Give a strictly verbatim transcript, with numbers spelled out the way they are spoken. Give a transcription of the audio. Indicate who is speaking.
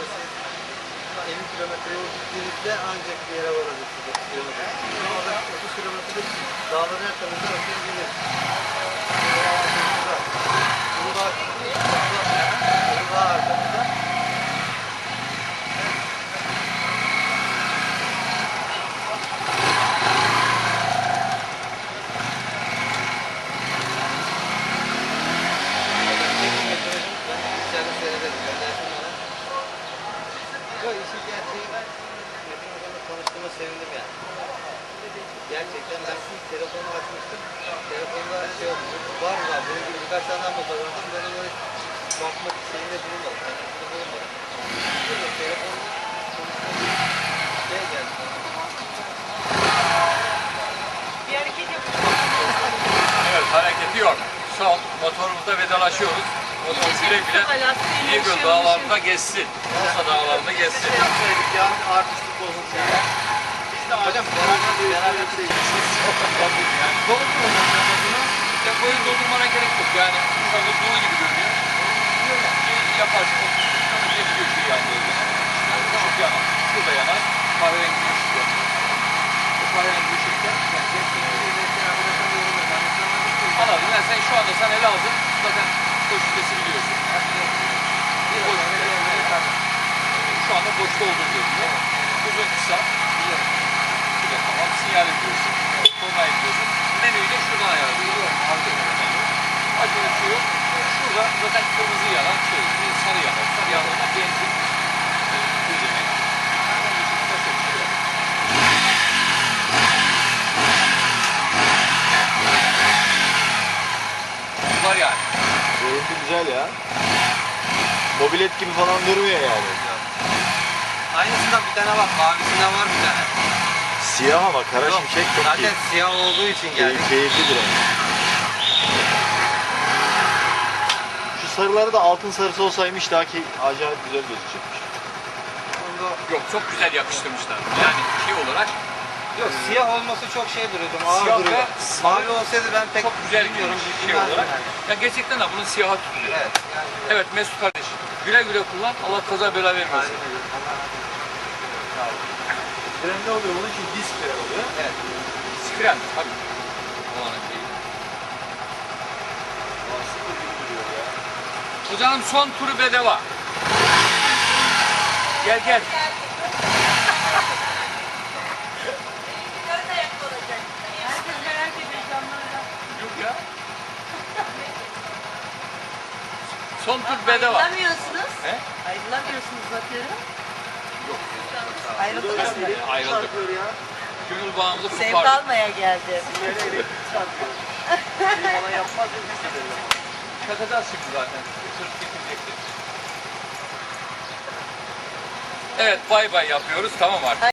Speaker 1: elli kilometre yol gittiğinizde ancak bir yere varabilirsiniz. otuz kilometre. Orada otuz kilometre dağların her tarafında akıyor gelir. Uludağ Uludağ arkamızda. Yok işin gerçeği ben Metin Hocam'la tanıştığıma sevindim yani. Gerçekten ben ilk telefonu açmıştım. Telefonda şey oldu. Var mı var? Benim gibi birkaç tane ama kazandım. Böyle böyle bakmak şeyinde bulunmadım. Kendisinde bulunmadım. Böyle telefonda konuştuğum şey geldi.
Speaker 2: Bir hareket yapıyor.
Speaker 3: Evet, hareketi yok. Son motorumuzda vedalaşıyoruz. Motor güle güle İnegöl dağlarında geçsin. Bursa dağlarında geçsin.
Speaker 1: Ne yapsaydık ya? Artistlik bozulsun ya. Biz de hocam beraber beraber bir şey
Speaker 3: Yani doldurma. İşte boyu doldurmana gerek yok. Yani şu anda dolu gibi görünüyor. Şey yaparsın. Sonra geçiyor şey yandığı zaman. Işık yanar. Şurada yanar. Kahverengi ışık yanar. O kahverengi ışıkta anladım. Yani sen şu anda sen ele aldın. Zaten boş vitesi biliyorsun. Bir boş vitesi. Şu anda boşta olduğunu görünüyor. Uzun kısa. Şurada tamam. Sinyal ediyorsun. Korna ediyorsun. Menüyü de şuradan ayarlıyorsun. Acele bir şey yok. Şurada zaten kırmızı yanan şey. Bir sarı yanan. Sarı yanında benzin. Düzenek. Onun dışında başka bir şey yok. Var yani.
Speaker 4: Görüntü güzel ya. Mobilet gibi falan durmuyor yani.
Speaker 1: Aynısından bir tane var. Mavisinden var bir tane.
Speaker 4: Siyah ama kara
Speaker 1: Yok,
Speaker 4: şimşek çok
Speaker 1: zaten
Speaker 4: iyi.
Speaker 1: siyah olduğu için
Speaker 4: Key-
Speaker 1: geldik.
Speaker 4: Keyiflidir yani. Şu sarıları da altın sarısı olsaymış daha ki acayip güzel gözükecekmiş.
Speaker 1: Onda
Speaker 3: Yok, çok güzel yakıştırmışlar. Yani şey olarak
Speaker 1: yok siyah olması çok şey duruyordu. Ağır
Speaker 3: Siyah
Speaker 1: duruyordu.
Speaker 3: ve
Speaker 1: Mavi olsaydı ben pek
Speaker 3: çok güzel
Speaker 1: bilmiyorum.
Speaker 3: bir şey
Speaker 1: bilmezdim
Speaker 3: olarak.
Speaker 1: yani.
Speaker 3: Ya gerçekten de bunun siyaha tutuluyor.
Speaker 1: Evet. Yani,
Speaker 3: Evet Mesut kardeş. Güle güle kullan. Allah kaza bela vermesin.
Speaker 4: Frenli oluyor, onun için disk fren oluyor.
Speaker 1: Evet.
Speaker 3: Skren tabii. Olanın şeyi.
Speaker 4: Sıfır gibi duruyor ya.
Speaker 3: Hocam son turu bedava. Gel gel.
Speaker 2: Herkes merak ediyor camlarda.
Speaker 3: Yok ya. Son tur bedava.
Speaker 2: Ayrılamıyorsunuz.
Speaker 3: He?
Speaker 2: Ayrılamıyorsunuz bakıyorum.
Speaker 3: Yok.
Speaker 2: Ayrıldınız mı?
Speaker 3: Ayrıldık.
Speaker 4: Çarpıyor ya.
Speaker 3: Gönül bağımızı
Speaker 2: Sevk
Speaker 3: kurtardık.
Speaker 2: almaya geldim.
Speaker 4: Yere elektrik çarpıyor. Şey bana yapmaz ya, biz de verelim.
Speaker 3: Çakacağız şimdi zaten. Sırf getirecektir. Evet bay bay yapıyoruz. Tamam artık.